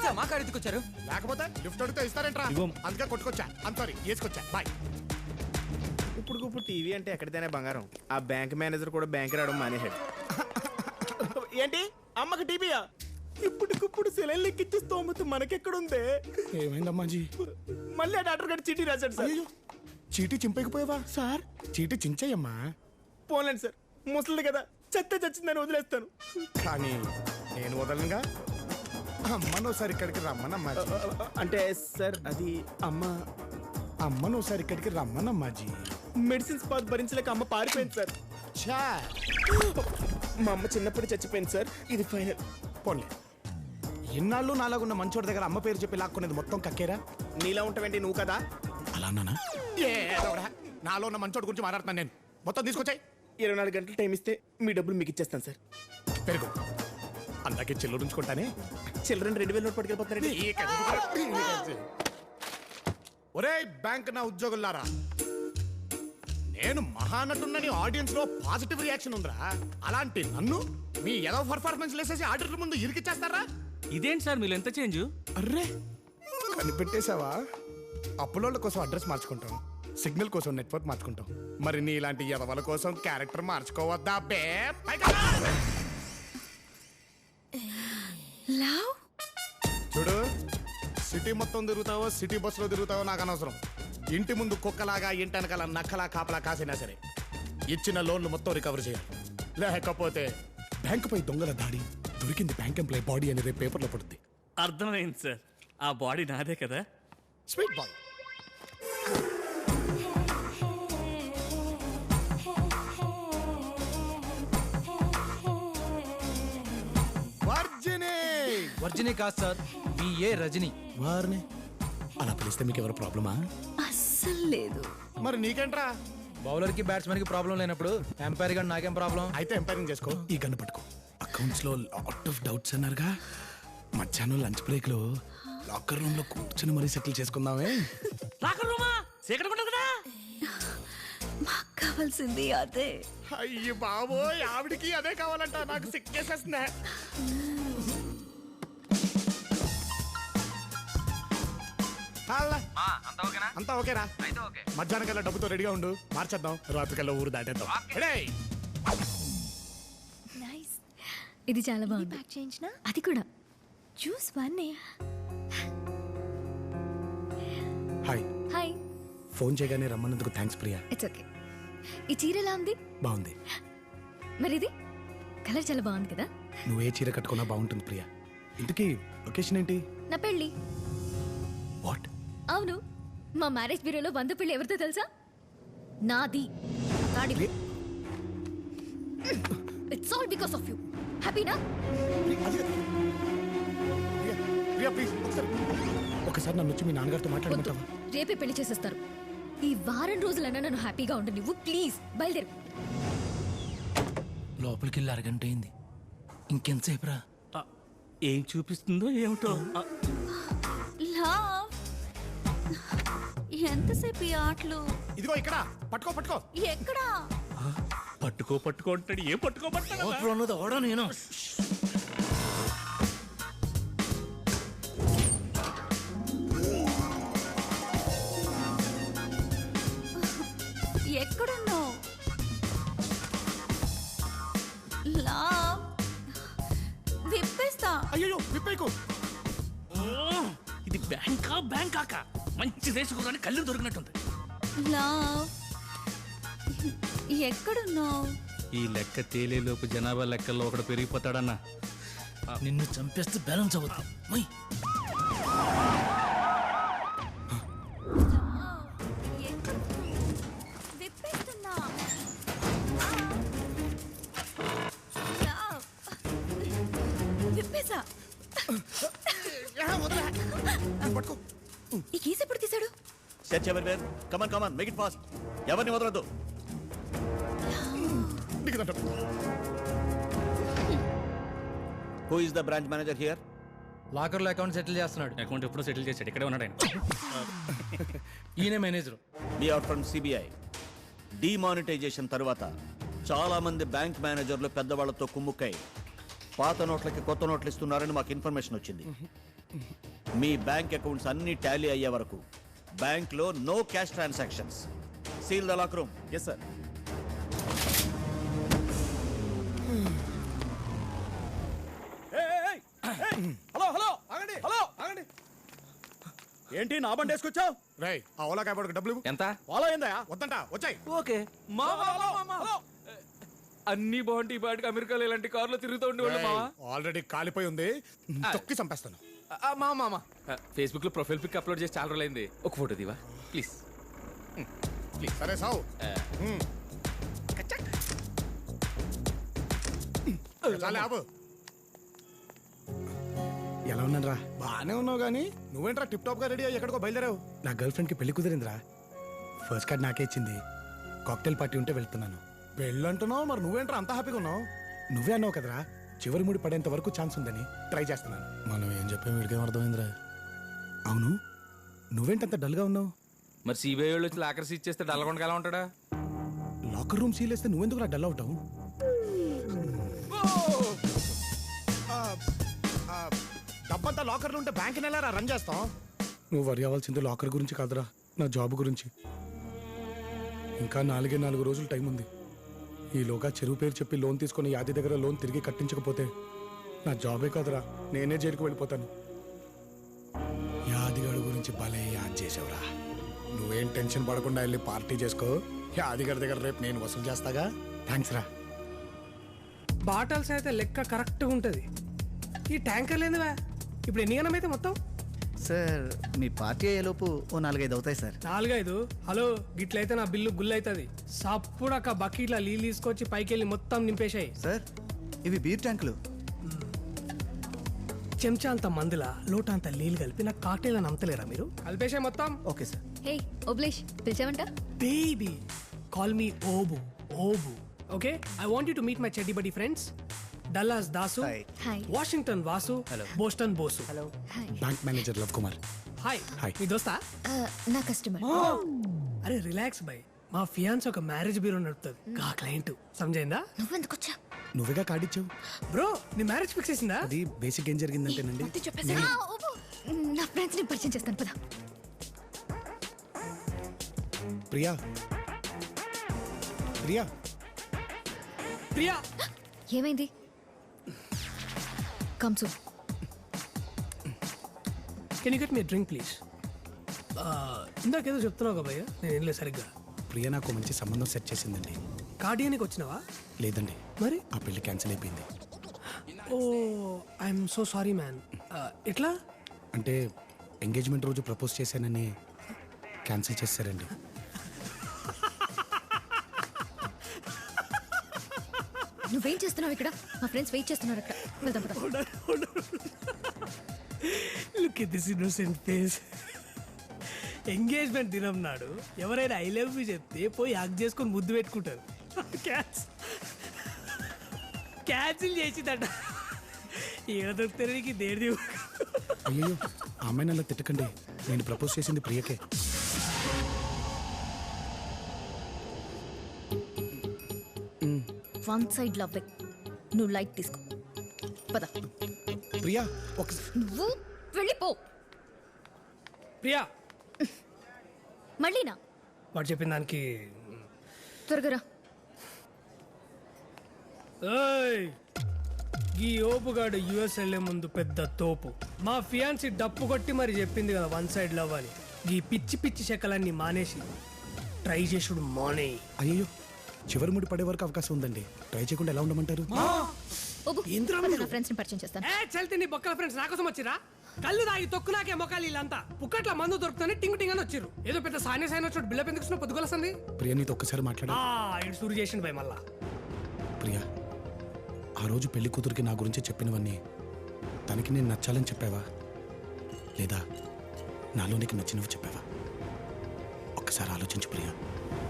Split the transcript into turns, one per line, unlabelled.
Sir మా car ఎందుకు వచ్చారు?
లేకపోతే లిఫ్ట్ అడిగితే ఇస్తారంట్రా, అందుకే కొట్టుకొచ్చా. సారీ వేసుకొచ్చా. బాయ్.
ఇప్పుడు టీవీ అంటే ఎక్కడితేనే బంగారం. ఆ బ్యాంక్ మేనేజర్ కూడా బ్యాంక్ రావడం మానేశాడు. ఏంటి అమ్మకి టీవీయా? ఇప్పటికిప్పుడు సెలైన్ లెక్కిచ్చే స్తోమత మనకెక్కడుందే?
ఏమైందమ్మా జీ?
మళ్ళీ ఆ డాక్టర్ గారు చీటీ రాశాడు సార్.
చీటీ చింపకపోయావా సార్? చీటీ చించయ్యమ్మా.
పోలేండి సార్, ముసలిది కదా, చెత్త చచ్చిందని వదిలేస్తాను.
కానీ నేను వదలనుగా. అమ్మనోసారి ఇక్కడికి రమ్మనమ్మా.
అంటే సార్ అది
అమ్మనోసారి ఇక్కడికి రమ్మనమ్మా జీ.
మెడిసిన్స్ బాధ భరించలేక అమ్మ పారిపోయింది సార్.
ఛా,
మా అమ్మ చిన్నప్పుడు చచ్చిపోయింది సార్. ఇది ఫైనల్.
పోన్లే, ఎన్నాళ్ళు నాలాగున్న మంచోడి దగ్గర అమ్మ పేరు చెప్పి లాక్కునేది మొత్తం కక్కేరా?
నీలా ఉంటావేంటి నువ్వు కదా?
అలా అన్నానా? నాలో ఉన్న మంచోడి గురించి మాట్లాడుతున్నాను నేను. మొత్తం తీసుకొచ్చాయి.
24 గంటలు టైం ఇస్తే మీ డబ్బులు మీకు ఇచ్చేస్తాను సార్.
పెరుగు అందాకే చెల్లు ఉంచుకుంటానే.
Children 2000 note పట్టుకెళ్ళిపోతున్నారండి.
ఒరే బ్యాంక్ నా ఉద్యోగులారా, నేను మహానటున్నని ఆడియన్స్ లో పాజిటివ్ రియాక్షన్ ఉందిరా. అలాంటి నన్ను మీ ఏదో పర్ఫార్మెన్స్ లేసేసి ఆడిటర్ ముందు ఇరికిచ్చేస్తారా?
ఇదేంటి సార్ మీరు ఎంత చేంజ్?
అర్రే కనిపెట్టేశావా? అప్పులోళ్ళ కోసం అడ్రస్ మార్చుకుంటాం, సిగ్నల్ కోసం నెట్వర్క్ మార్చుకుంటాం. మరి నీ ఇలాంటి ఎదవల కోసం క్యారెక్టర్ మార్చుకోవద్దా బే? చూడు, సిటీ మొత్తం తిరుగుతావో సిటీ బస్సులో తిరుగుతావో నాకు అనవసరం. ఇంటి ముందు కుక్కలాగా ఇంటనకాల నక్కలా కాపలా కాసినా సరే ఇచ్చిన లోన్లు మొత్తం రికవర్ చేయాలి. లేకపోతే బ్యాంకుపై దొంగల దాడి, దొరికింది బ్యాంక్ ఎంప్లాయ్ బాడీ అని రేపు పేపర్లో పడుద్ది.
అర్థమైంది సార్, ఆ బాడీ నాదే కదా.
Sweet boy.
వర్జిని కాదు సార్, బిఏ రజని.
వారిని అలా పిలిస్తే మీకు ఎవరు ప్రాబ్లమా?
అస్సలు లేదు.
మరి నీకేంట్రా?
బౌలర్ కి బ్యాట్స్మెన్ కి ప్రాబ్లం లేనప్పుడు ఎంపైర్ గా నాకేం ప్రాబ్లం?
అయితే ఎంపైరింగ్ చేసుకో. ఈ గన్ను పట్టుకో. అకౌంట్స్ లో లాట్ ఆఫ్ డౌట్స్ అన్నారుగా, మధ్యాహ్నం లంచ్ బ్రేక్ లో లాకర్ రూమ్ లో కూర్చొని మరీ సెటిల్ చేసుకుందామే.
లాకర్ రూమా? సీక్రెట్ ఉండదు కదా.
మాకు కావాల్సింది అదే.
అయ్యి బాబోయ్, ఆవిడికి అదే కావాలంట. నాకు సిక్కేసేస్తుందా? అంతా ఓకేరా? మధ్యాహ్నం కల్లా డబ్బుతో రెడీగా ఉండు, మార్చేద్దాం. రాత్రికల్లా ఊరు దాటేద్దాం.
నైస్. ఇది చాలా బాగుంది. ప్యాక్ చేయించినా అది కూడా జ్యూస్ వన్నే.
హాయ్.
హాయ్.
ఫోన్ చేయగానే రమ్మన్నందుకు థ్యాంక్స్ ప్రియా.
It's okay. ఈ చీర ఎలా ఉంది?
బాగుంది.
మరి ఇది కలర్ చాలా బాగుంది కదా.
నువ్వే చీర కట్టుకున్నా బాగుంటుంది ప్రియా. ఇంతకీ లొకేషన్ ఏంటి?
నా పెళ్ళి.
వాట్?
అవును, మా మ్యారేజ్ బ్యూరోలో 100 పెళ్ళి ఎవరితో తెలుసా? నాది. It's all because of you. హ్యాపీనా?
ప్రియా ప్లీజ్ ఒకసారి నన్ను వచ్చి మీ నాన్నగారితో మాట్లాడమంటావా?
రేపే పెళ్లి చేసేస్తారు. ఈ వారం రోజులన్నా నన్ను హ్యాపీగా ఉండు నువ్వు. ప్లీజ్ బయలుదేరు.
లోపలికి వెళ్ళి అరగంట అయింది, ఇంకెంతసేపు రా?
ఏం చూపిస్తుందో ఏమిటో.
లవ్, ఎంతసేపు ఈ ఆటలు?
ఇదిగో ఇక్కడ పట్టుకో. పట్టుకో
ఎక్కడా?
పట్టుకో అంటాడు. ఏం పట్టుకోబట్టాడు?
అన్నది అవడా నేను.
ఎక్కడున్నావు? లవ్, విప్పేస్తా.
అయ్యో విప్పేకు.
ఇది బ్యాంకాకా మంచి దేశకురాని కళ్ళు దొరికినట్టుంది.
లవ్, ఎక్కడున్నావు?
ఈ లెక్క తేలేలోపు జనాభా లెక్కల్లో ఒకడు పెరిగిపోతాడన్నా.
నిన్ను చంపేస్తే బ్యాలెన్స్ అవుతుంది.
విప్పేస్తున్నా. విప్పేసా. ఈ కేసు ఎప్పుడు తీశాడు?
Search everywhere. Come on come on, make it fast. ఎవరిని వదలొద్దు. Who is the branch manager here?
Locker లో అకౌంట్ సెటిల్ చేస్తున్నాడు.
అకౌంట్ ఎప్పుడో సెటిల్ చేశాడు, ఇక్కడే ఉన్నాడు ఆయన.
ఈయన manager.
We are from CBI. Demonetisation తర్వాత చాలా మంది బ్యాంక్ మేనేజర్లు పెద్దవాళ్లతో కుమ్ముక్కై పాత నోట్లకి కొత్త నోట్లు ఇస్తున్నారని మాకు ఇన్ఫర్మేషన్ వచ్చింది. మీ బ్యాంక్ అకౌంట్స్ అన్ని టాలీ అయ్యే వరకు బ్యాంక్లో no cash transactions. Seal the lock room.
Yes sir.
Hello ఆగండి, హలో ఆగండి. ఏంటి నా బండి వేసుకొచ్చావు?
రేయ్ ఆ ఓలా క్యాబ్ డబ్బులు ఇవ్వు.
ఎంత?
ఫాలో అయిందా?
వద్దంట వచ్చాయి.
ఓకే అన్ని బాగుంటాయి. ఈ పాటికి అమెరికాలో ఇలాంటి కార్లో తిరుగుతూ ఉండేవాళ్ళు మావా.
ఆల్రెడీ కాలిపోయి ఉంది, తొక్కి చంపేస్తాను.
మామా ఫేస్బుక్ లో ప్రొఫైల్ పిక్ అప్లోడ్ చేసి చాలా రోజులైంది. ఒక ఫోటో దివా ప్లీజ్.
సరే సావు. చాలే ఆపు. ఎలా ఉన్నాను రా? బాగానే ఉన్నావు కానీ నువ్వేంట్రా టిప్ టాప్ గా రెడీ అయ్యి ఎక్కడికో బయలుదేరావు? నా గర్ల్ ఫ్రెండ్ కి పెళ్లి కుదిరిందిరా. ఫస్ట్ కార్డ్ నాకే ఇచ్చింది. కాక్టైల్ పార్టీ ఉంటే వెళ్తున్నాను. పెళ్ళంటున్నావు, మరి నువ్వేంట్రా అంత హ్యాపీగా ఉన్నావు? నువ్వే అన్నావు కదరా చివరి ముడి పడేంత వరకు ఛాన్స్ ఉందని. ట్రై చేస్తున్నాను. మనం ఏం చెప్పాం వీడికేం అర్థమైందిరా? అవును, నువ్వేంటంత డల్గా ఉన్నావు?
మరి సిబిఐ వాళ్ళు వచ్చి లాకర్ సీజ్ చేస్తే డల్గొండగా ఎలా ఉంటాడా?
లాకర్ రూమ్ సీల్ వేస్తే నువ్వెందుకు నా డల్ అవుతావు? డబ్బంతా లాకర్లు ఉంటే బ్యాంక్ నెల రన్ చేస్తాం. నువ్వు వరి అవ్వాల్సింది లాకర్ గురించి కాదురా, నా జాబ్ గురించి. ఇంకా 4 రోజులు టైం ఉంది. ఈలోగా చెరువు పేరు చెప్పి లోన్ తీసుకుని యాది దగ్గర లోన్ తిరిగి కట్టించకపోతే నా జాబే కాదురా, నేనే జైలుకు వెళ్ళిపోతాను. యాదిగాడు గురించి భలే యాద్ చేసావురా. నువ్వేం టెన్షన్ పడకుండా వెళ్ళి పార్టీ చేసుకో. యాదిగాడి దగ్గర రేపు నేను వసూలు చేస్తాగా. థ్యాంక్స్ రా.
బాటల్స్ అయితే లెక్క కరెక్ట్గా ఉంటుంది. ఈ ట్యాంకర్ లేదువా? ఇప్పుడు ఎన్ని గణం అయితే మొత్తం?
సార్ మీ పార్టీ అయ్యేలోపు ఓ 4-5 అవుతాయి సార్.
4-5? హలో, గిట్లయితే నా బిల్లు గుల్ అవుతుంది. సప్పుడక్క బకెట్ల నీళ్ళు తీసుకొచ్చి పైకి వెళ్ళి మొత్తం నింపేశాయి.
సార్ ఇవి బీర్ ట్యాంకులు.
చెంచా అంత మందుల లోట అంత నీళ్ళు కలిపి నాకు కాక్టైల్ అని అమ్మతలేరా మీరు? కలిపేశాయి మొత్తం.
Okay sir.
హే ఓబ్లేష్, పిలిచావంట?
Baby call me Obu. Obu okay. I want you to meet my chaddi buddy friends. Dallas Dasu,
hi.
Washington Vasu, Boston Bosu.
Hi.
Bank manager Love Kumar.
Hi.
Hi.
మీ దోస్తా?
నా కస్టమర్.
అరే రిలాక్స్ బై. మా ఫియాన్స్ ఒక మ్యారేజ్ బ్యూరో నడుపుతుంది. కా క్లయింట్ సమజైందా?
నువ్వెందుకు వచ్చా?
నువ్వేగా కార్డు ఇచ్చావు.
బ్రో నీ మ్యారేజ్ ఫిక్స్ చేసిందా?
అది బేసిక్ ఏం జరిగిందంటేనండి,
నా ఫ్రెండ్స్ ని పరిచయం చేస్తాను పద.
ప్రియా ప్రియా
ప్రియా
ఏమైంది? కమ్సు.
Can you get me drink please? ఇందాకేదో చెప్తున్నావు కదా భయ్య, నేను ఏం లేదు సరిగ్గా.
ప్రియా నాకు మంచి సంబంధం సెట్ చేసిందండి.
కార్డియానికి వచ్చినావా?
లేదండి,
మరి?
ఆ పెళ్లి క్యాన్సిల్ అయిపోయింది.
ఓ ఐఎమ్ సో సారీ మ్యాన్. ఎట్లా?
అంటే ఎంగేజ్మెంట్ రోజు ప్రపోజ్ చేశానని క్యాన్సిల్ చేశారండి.
నువ్వేం చేస్తున్నావు ఇక్కడ? మా ఫ్రెండ్స్ వెయిట్ చేస్తున్నారు అక్కడ. వెళ్దాం పద.
Look at this innocent face. Engagement దినం నాడు ఎవరైనా ఐ లవ్ యూ చెప్తే పోయి హగ్ చేసుకొని ముద్దు పెట్టుకుంటారు. క్యాన్సిల్ చేసిందట. ఏడ దొరుకుతారు నీకు దేడి?
అయ్యో, ఆ అమ్మాయిని అలా తిట్టకండి. నేను ప్రపోజ్ చేసింది ప్రియకే.
One side love. నువ్వు లైట్ తీసుకో పద.
ప్రియా ఒకసారి
నువ్వు వెళ్ళిపో.
ప్రియా
మళ్ళీనా?
వాడు చెప్పిన దానికి
త్వరగా రా.
ఏయ్, ఈ ఓపుగాడు యుఎస్ వెళ్లే ముందు పెద్ద తోపు. మా ఫియాన్సీ డప్పు కొట్టి మరి చెప్పింది కదా వన్ సైడ్ లవ్ అని. ఈ పిచ్చి పిచ్చి శకలన్నీ మానేసి ట్రై చేసుడు మానే.
అయ్యో, చివరి ముడి పడే వరకు అవకాశం ఉందండి. ట్రై చేయకుండా ఎలా ఉండమంటారు?
ఓబు,
ఏంద్రా
పద,
మీరు?
నా ఫ్రెండ్స్ ని పరిచయం చేస్తాను.
ఏ చల్తే నీ బొక్కల ఫ్రెండ్స్ నా కోసం వచ్చిరా? కళ్ళు తాగి తొక్కు నాకే మొక్కలు వీళ్ళంతా పుక్కట్ల మందు దొరుకుతానే టింగ్ టింగ్ అని వచ్చిర్రు. ఏదో పెద్ద సాయన వచ్చినట్టు బిల్డప్ ఎందుకు ఇస్తున్నా? పొద్దుగొలసింది.
ప్రియా నీతో ఒక్కసారి మాట్లాడా?
ఇటు సూరు చేసిండు భయ్ మళ్ళా.
ప్రియా, ఆ రోజు పెళ్లి కూతురికి నా గురించి చెప్పినవన్నీ తనకి నేను నచ్చాలని చెప్పావా, లేదా నాలో నీకు నచ్చినవి చెప్పావా? ఒక్కసారి ఆలోచించు ప్రియా.